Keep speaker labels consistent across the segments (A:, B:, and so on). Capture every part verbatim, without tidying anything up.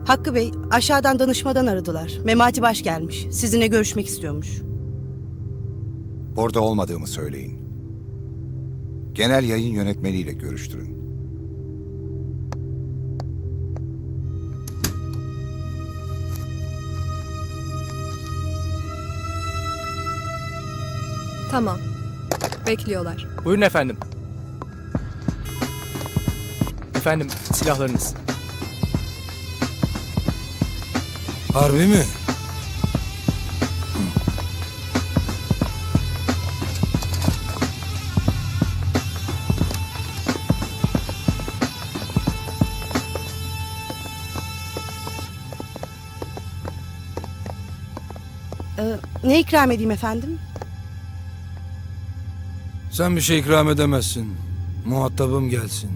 A: Hakkı Bey, aşağıdan danışmadan aradılar. Memati Baş gelmiş. Sizinle görüşmek istiyormuş.
B: Orada olmadığımı söyleyin. Genel yayın yönetmeniyle görüştürün.
C: Tamam. Bekliyorlar.
D: Buyurun efendim. Efendim, silahlarınız.
E: Harbi mi?
A: Ee, ne ikram edeyim efendim?
E: Sen bir şey ikram edemezsin. Muhatabım gelsin.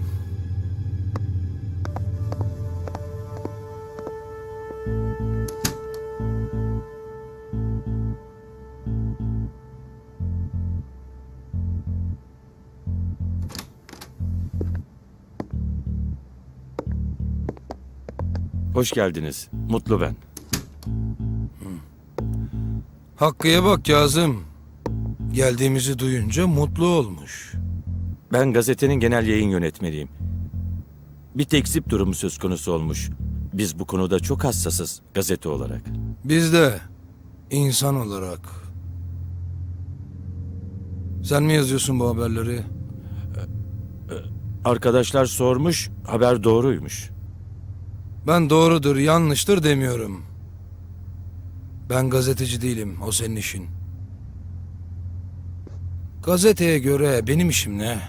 F: Hoş geldiniz. Mutlu ben.
E: Hakkı'ya bak Kazım. Geldiğimizi duyunca mutlu olmuş.
F: Ben gazetenin genel yayın yönetmeniyim. Bir tekzip durumu söz konusu olmuş. Biz bu konuda çok hassasız gazete olarak.
E: Biz de insan olarak. Sen mi yazıyorsun bu haberleri?
F: Arkadaşlar sormuş, haber doğruymuş.
E: Ben doğrudur, yanlıştır demiyorum. Ben gazeteci değilim, o senin işin. Gazeteye göre benim işim ne?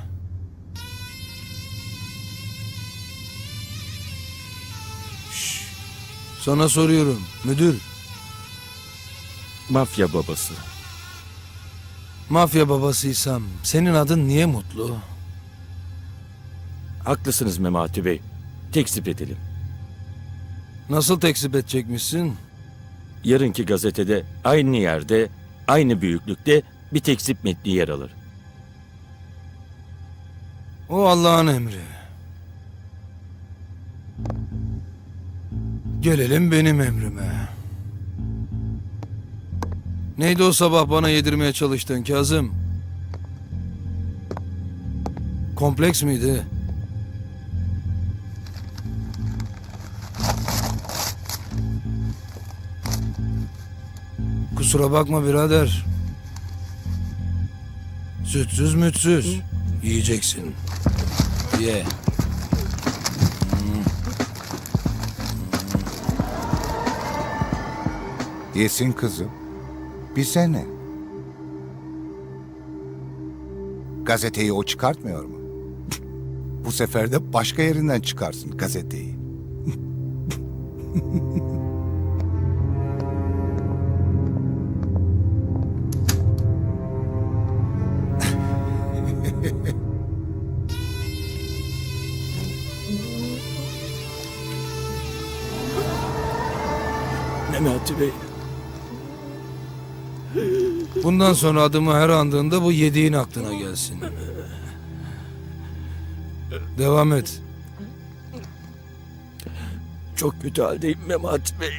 E: Şş, sana soruyorum, müdür.
F: Mafya babası.
E: Mafya babasıysam senin adın niye Mutlu?
F: Haklısınız Memati Bey. Tekzip edelim.
E: Nasıl tekzip edecekmişsin?
F: Yarınki gazetede aynı yerde, aynı büyüklükte bir tekzip metni yer alır.
E: O Allah'ın emri. Gelelim benim emrime. Neydi o sabah bana yedirmeye çalıştığın Kazım? Kompleks miydi? Kusura bakma birader. Sütsüz mütsüz. Yiyeceksin. Ye.
B: Yesin kızım. Bize ne? Gazeteyi o çıkartmıyor mu? Bu sefer de başka yerinden çıkarsın gazeteyi.
F: Memati Bey.
E: Bundan sonra adımı her andığında bu yediğin aklına gelsin. Devam et.
F: Çok kötü haldeyim Memati Bey.